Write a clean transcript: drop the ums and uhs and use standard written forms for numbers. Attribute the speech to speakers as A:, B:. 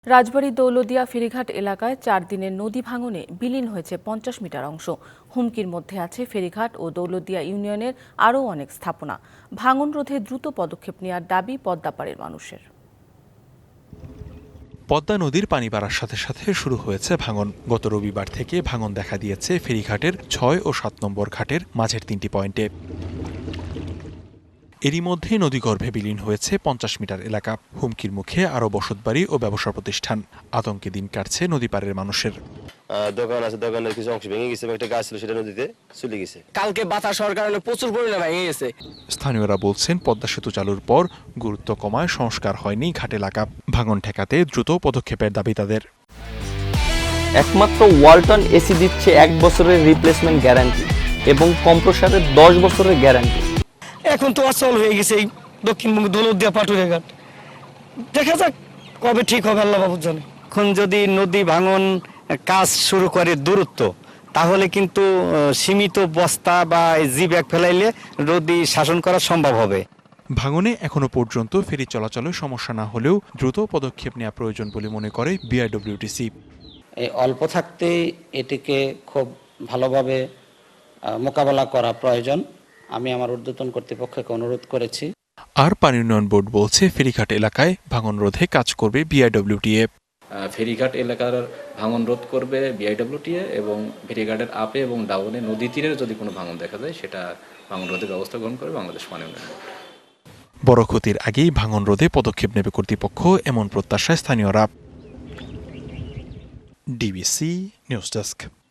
A: রাজবাড়ী দৌলদিয়া ফেরিঘাট এলাকায় 4 দিনের নদী ভাঙনে বিলীন হয়েছে 50 মিটার অংশ। হুমকির মধ্যে আছে ফেরিঘাট ও দৌলদিয়া ইউনিয়নের আরও অনেক স্থাপনা। ভাঙন রোধে দ্রুত পদক্ষেপ নেওয়ার দাবি পদ্মাপাড়ের মানুষের।
B: পদ্মা নদীর পানি বাড়ার সাথে সাথে শুরু হয়েছে ভাঙন। গত রবিবার থেকে ভাঙন দেখা দিয়েছে ফেরিঘাটের 6 ও 7 নম্বর ঘাটের মাঝের 3টি পয়েন্টে। এরই মধ্যে নদীগর্ভে বিলীন হয়েছে 50 মিটার এলাকা। হুমকির মুখে আরও বসতবাড়ি ও ব্যবসা প্রতিষ্ঠান। আতঙ্কে দিন কাটছে নদীপাড়ের মানুষের।
C: দোকান আছে, দোকানের কিছু অংশ ভেঙে গেছে, একটা গাছ ছিল সেটা নদীতে চলে গেছে।
D: কালকে বাতাস হওয়ার কারণে প্রচুর পরিমাণে ভেঙে গেছে।
B: স্থানীয়রা বলছেন, পদ্মা সেতু চালুর পর গুরুত্ব কমায় সংস্কার হয়নি ঘাট এলাকা। ভাঙন ঠেকাতে দ্রুত পদক্ষেপের দাবি তাদের।
E: একমাত্র ওয়ালটন এসি দিচ্ছে 1 বছরের রিপ্লেসমেন্ট গ্যারান্টি এবং কম্প্রেসারের 10 বছরের গ্যারান্টি।
D: এখন তো অচল হয়ে গেছে এই দক্ষিণবঙ্গ দৌলতদিয়া পাটুরিয়া ঘাট। দেখা যাক কবে ঠিক হবে, আল্লাহ বাবু জানে।
F: এখন যদি নদী ভাঙন কাজ শুরু করে দূরত্ব, তাহলে কিন্তু সীমিত বস্তা বা জি ব্যাগ ফেলাইলে নদী শাসন করা সম্ভব হবে।
B: ভাঙনে এখনো পর্যন্ত ফেরি চলাচলের সমস্যা না হলেও দ্রুত পদক্ষেপ নেওয়া প্রয়োজন বলে মনে করে বিআরডব্লিউটিসি।
G: এই অল্প থাকতেই এটিকে খুব ভালোভাবে মোকাবেলা করা প্রয়োজন। আমি আমার ঊর্ধ্বতন কর্তৃপক্ষকে অনুরোধ করেছি।
B: আর পানি উন্নয়ন বোর্ড বলছে, ফেরিঘাট এলাকায় ভাঙন রোধে কাজ করবে বিআরডব্লিউটিএ।
H: ফেরিঘাট এলাকার ভাঙন রোধ করবে বিআইডব্লিউটিএ এবং ফেরিঘাটের আপে এবং ডাউনে নদী তীরের যদি কোনো ভাঙন দেখা যায় সেটা ভাঙন রোধের ব্যবস্থা গ্রহণ করবে বাংলাদেশ পানি উন্নয়ন বোর্ড।
B: বড় ক্ষতির আগেই ভাঙন রোধে পদক্ষেপ নেবে কর্তৃপক্ষ, এমন প্রত্যাশায় স্থানীয়রা। DBC news desk.